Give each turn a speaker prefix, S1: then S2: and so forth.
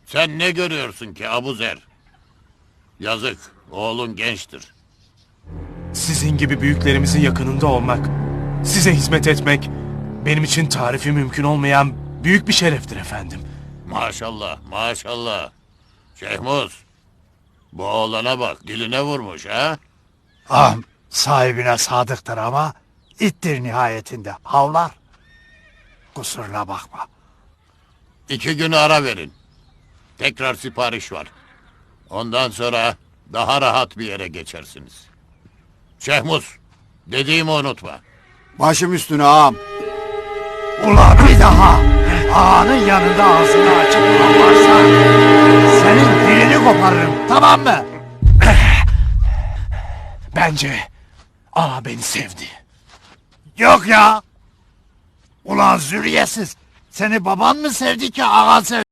S1: Sen ne görüyorsun ki Abuzer? Yazık, oğlun gençtir.
S2: Sizin gibi büyüklerimizin yakınında olmak, size hizmet etmek benim için tarifi mümkün olmayan büyük bir şereftir efendim.
S1: Maşallah, maşallah. Şehmuz, bu oğlana bak, diline vurmuş ha?
S3: Ağam sahibine sadıktır ama ittir nihayetinde. Havlar. Kusuruna bakma.
S1: 2 gün ara verin. Tekrar sipariş var. Ondan sonra daha rahat bir yere geçersiniz. Şehmuz, dediğimi unutma.
S4: Başım üstüne ağam.
S3: Ulan bir daha ağanın yanında ağzını açıp varsa senin dilini koparırım, tamam mı?
S2: Bence ağa beni sevdi.
S3: Yok ya. Ulan zürriyetsiz. Seni baban mı sevdi ki ağan sevdi?